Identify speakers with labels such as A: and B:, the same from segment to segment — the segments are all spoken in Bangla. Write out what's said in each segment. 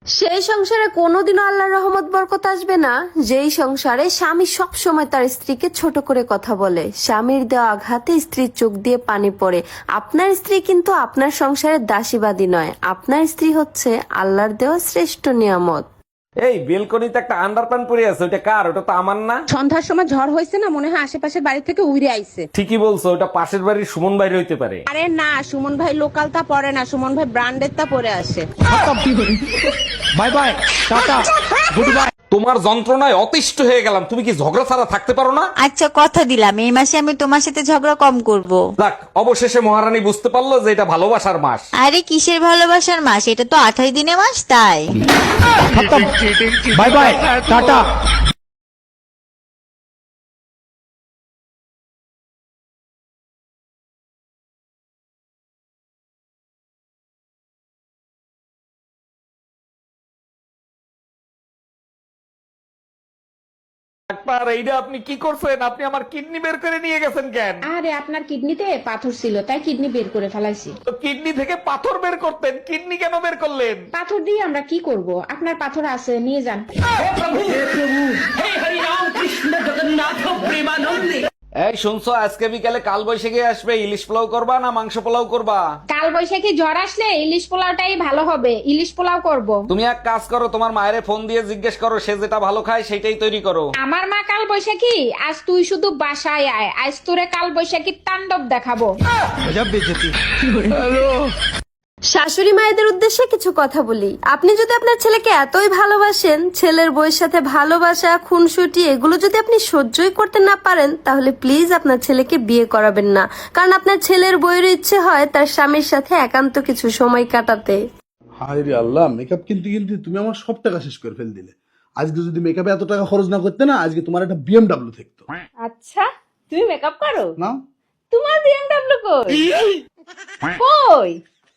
A: সেই সংসারে কোনোদিনও আল্লাহর রহমত বরকত আসবে না যেই সংসারে স্বামী সব সময় তার স্ত্রীকে ছোট করে কথা বলে, স্বামীর দেওয়া আঘাতে স্ত্রীর চোখ দিয়ে পানি পড়ে। আপনার স্ত্রী কিন্তু আপনার সংসারের দাসীবাদী নয়, আপনার স্ত্রী হচ্ছে আল্লাহর দেওয়া শ্রেষ্ঠ নিয়ামত।
B: এই বেলকনিতে একটা আন্ডারপ্যান্ট পরে আছে, ওটা কার? ওটা তো আমার না।
C: সন্ধ্যার সময় ঝড় হয়েছে না, মনে হয় আশেপাশের বাড়ি থেকে উড়ে আইছে।
B: ঠিকই বলছো, ওটা পাশের বাড়ির সুমন বাইরে হইতে পারে।
C: আরে না, সুমন ভাই লোকাল তা পরে না, সুমন ভাই ব্র্যান্ডের তা পরে আসে।
B: Bye bye, tata, good bye. তোমার যন্ত্রণায় অতিষ্ঠ হয়ে গেলাম, তুমি কি ঝগড়া ছাড়া থাকতে পারো না?
D: আচ্ছা কথা দিলাম এই মাসে আমি তোমার সাথে ঝগড়া কম করব।
B: যাক, অবশেষে মহারানী বুঝতে পারলো যে এটা ভালোবাসার মাস।
D: আরে কিসের ভালোবাসার মাস, এটা তো 28 দিনের মাস তাই।
B: By bye, tata. ডাক্তার, এইটা আপনি কি করছেন? আপনি আমার কিডনি বের করে নিয়ে গেছেন কেন?
C: আরে আপনার কিডনিতে পাথর ছিল, তাই কিডনি বের করে ফেলাইছি।
B: তো কিডনি থেকে পাথর বের করতেন, কিডনি কেন বের করলেন?
C: পাথর দিয়ে আমরা কি করব? আপনার পাথর আছে, নিয়ে যান।
B: এই শুনছো, আজকে বিকালে কাল বৈশাখী আসবে, ইলিশ পোলাও করবা না মাংস পোলাও করবা?
C: কাল বৈশাখী ঝড় আসলে ইলিশ পোলাওটাই ভালো হবে, ইলিশ পোলাও করব।
B: তুমি এক কাজ করো, তোমার মায়ের ফোন দিয়ে জিজ্ঞেস করো, সে যেটা ভালো খায় সেটাই তৈরি করো।
C: আমার মা কাল বৈশাখী, আজ তুই শুধু বাসায় আয়, আজ তোরে কাল বৈশাখীর তাণ্ডব দেখাবো।
A: শাশুড়ি মায়েদের উদ্দেশ্যে কিছু কথা বলি। আপনি যদি আপনার ছেলেকে এতই ভালোবাসেন, ছেলের বউয়ের সাথে ভালোবাসা, খুনসুটি এগুলো যদি আপনি সহ্যই করতে না পারেন, তাহলে প্লিজ আপনার ছেলেকে বিয়ে করাবেন না। কারণ আপনার ছেলের বউয়ের ইচ্ছে হয় তার স্বামীর সাথে একান্ত কিছু সময় কাটাতে।
E: হায় রে আল্লাহ, মেকআপ কিনতে কিনতে তুমি আমার সব টাকা শেষ করে ফেল দিলে। আজকে যদি মেকআপে এত টাকা খরচ না করতে না, আজকে তোমার একটা বিএমডাব্লিউ থাকতো।
C: আচ্ছা, তুমি মেকআপ করো?
E: না,
C: তোমার বিএমডব্লিউ কই? কই?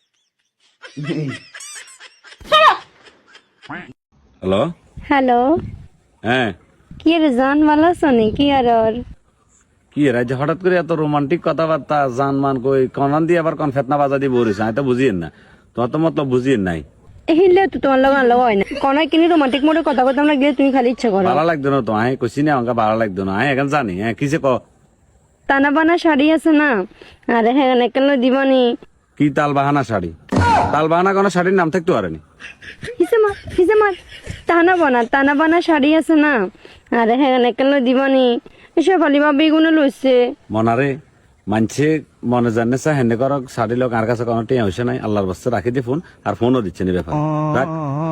B: হ্যালো।
F: হ্যালো,
B: হ্যাঁ,
F: কি রে জান, ভালো আছো নি? কি আর ওর
B: কি রাজ্য হঠাৎ করে এত রোমান্টিক কথাবার্তা, জানমান কই কনান দিয়ে আবার কোন ফেতনা বাজা দিয়ে বলিস? আমি তো বুঝিয়েন না, তোমার তো মতলব বুঝিয়েন নাই।
F: হিলে তো তোমার লগা লগা হয় না কোন কিনি রোমান্টিক মোডে কথা কথা আমরা গেলে তুমি খালি ইচ্ছা করো।
B: ভালো লাগতো না তো, আমি কইছি না আমাকে ভালো লাগতো না, আমি এখন জানি। হ্যাঁ, কিসে ক?
F: টানা বানা শাড়ি আছে না, আরে হ্যাঁ কেন দিবনি?
B: কি তাল বাহানা শাড়ি? তাল বাহানা কোনো শাড়ির নাম থাকতে পারেনি।
F: হিসে মার টানা বানা শাড়ি আছে না, আরে হ্যাঁ কেন দিবনি? এসব ফালিমা বেগুনে লইছে
B: মনারে মানছে মনে জানে হেনে কর শাড়ি লোক আর কাছে কোনো টিয়া হয়েছে নাই। আল্লাহর বস্তে রাখি দি ফোন, আর ফোনও দিচ্ছে নি ব্যাপার। রাখ।